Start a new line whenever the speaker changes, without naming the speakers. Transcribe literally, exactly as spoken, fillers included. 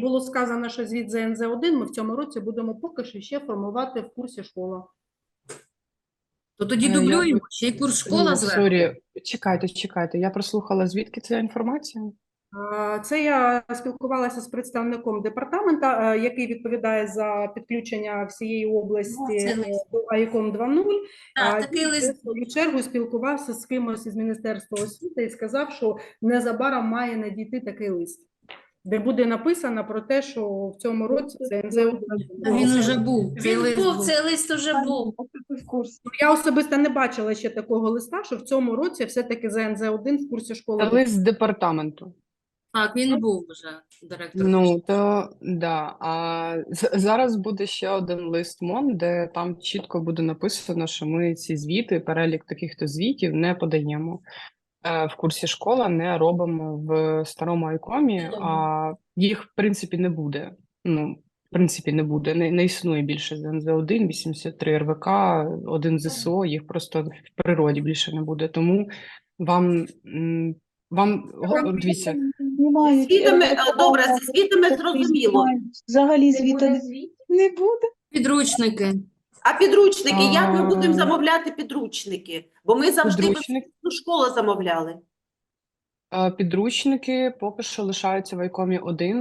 було сказано, що звіт за ен зет один ми в цьому році будемо поки що ще формувати в курсі школа.
То тоді
Е, я
дублюємо,
би-
ще й курс школа
Ні,
зверху.
сорі, чекайте, чекайте. Я прослухала, звідки ця інформація?
А, Це я спілкувалася з представником департамента, е, який відповідає за підключення всієї області
Ну, це
е,
лист.
до АІКом два нуль.
Так,
А
такий
він,
лист
в свою чергу, спілкувався з кимось із Міністерства освіти і сказав, що незабаром має надійти такий лист, де буде написано про те, що в цьому році це ен зет один.
Та він уже був. Цей
Він
лист
був,
був.
цей лист уже був.
в курсі.
Я особисто не бачила ще такого листа, що в цьому році все-таки за ен зет один в курсі школи.
Це лист з департаменту.
Так, він був вже директор.
Ну, то да. А з- зараз буде ще один лист МОН, де там чітко буде написано, що ми ці звіти, перелік таких-то звітів не подаємо. Е, В курсі школа не робимо в старому айкомі, а їх, в принципі, не буде. Ну, в принципі, не буде. Не, не існує більше з ен зет один, вісімдесят три ер ве ка, один зе ес о, їх просто в природі більше не буде. Тому вам, м, вам го- дивіться,
Знімають.
Звітами,
Е,
а, добре, зі звітами зрозуміло.
знімають. Взагалі звіта не, не буде.
Підручники.
А підручники, як ми
А.
будемо замовляти підручники? Бо ми завжди
Підручник?
ну, школа замовляли.
е, підручники поки що лишаються в айкомі один.